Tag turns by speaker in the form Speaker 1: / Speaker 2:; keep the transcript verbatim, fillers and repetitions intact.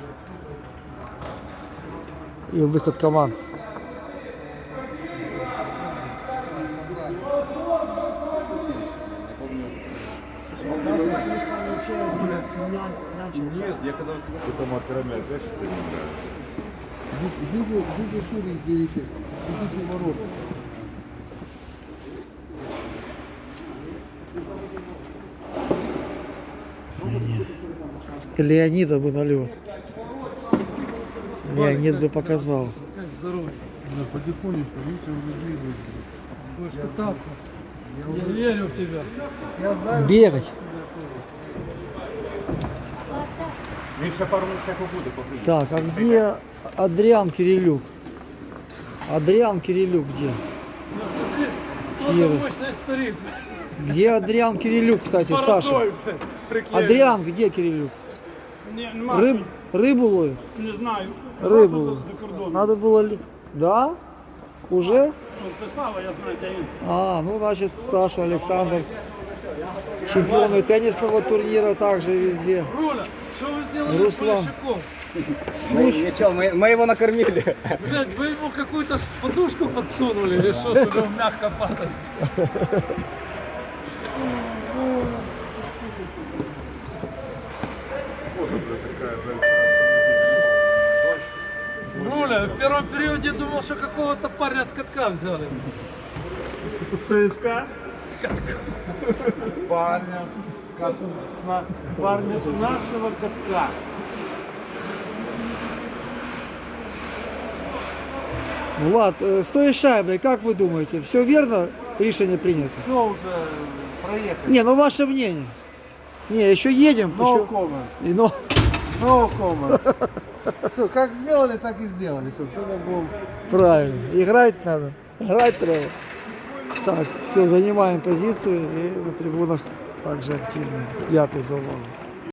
Speaker 1: И выход команд.
Speaker 2: Нет, я когда потом откромя, опять что-то не нравится.
Speaker 3: Видите, видите, шире берите, видите ворота.
Speaker 1: Леонида бы на лед. Леонид бы показал.
Speaker 3: Как здоровье? Да, потихонечку, видите, уже двигается. Будешь кататься. Я, я верю в тебя. Я знаю,
Speaker 1: Бегать.
Speaker 2: Меньше пару минут как угодно покрыть.
Speaker 1: Так, а где Адриан Кирилюк? Адриан Кирилюк где? Чирос.
Speaker 3: мощный старик.
Speaker 1: Где Адриан Кирилюк, кстати, Саша? Адриан, где Кирилюк?
Speaker 4: Не,
Speaker 1: Рыб, рыбу ловит?
Speaker 4: не знаю.
Speaker 1: Рыбу.
Speaker 4: За, за кордоном.
Speaker 1: Надо было ли? Да? Уже?
Speaker 4: Ну, Преслава, я знаю, где він.
Speaker 1: А, ну значит, Саша, Александр. Чемпионы теннисного турнира также везде.
Speaker 4: Руля, что вы сделали
Speaker 1: Руслан.
Speaker 4: с Полищуком?
Speaker 1: Слушай,
Speaker 5: Ничего, мы, мы его накормили.
Speaker 4: Блядь, вы ему какую-то ш- подушку подсунули или что, чтобы он мягко падал? Руля, в первом периоде думал, что какого-то парня с катка взяли.
Speaker 2: ЦСКА?
Speaker 4: С катка.
Speaker 2: Парня с, кат... с на... парня с нашего катка.
Speaker 1: Влад, э, с той шайбой, как вы думаете, все верно решение принято?
Speaker 2: Все уже проехали.
Speaker 1: Не, ну ваше мнение. Не, еще едем.
Speaker 2: No
Speaker 1: еще-
Speaker 2: comment.
Speaker 1: И, ну,
Speaker 2: No comment. Все, как сделали, так и сделали. Все, что мы будем.
Speaker 1: правильно. Играть надо. Играть треба. Так, все, занимаем позицию и на трибунах также активно. Дякую за увагу.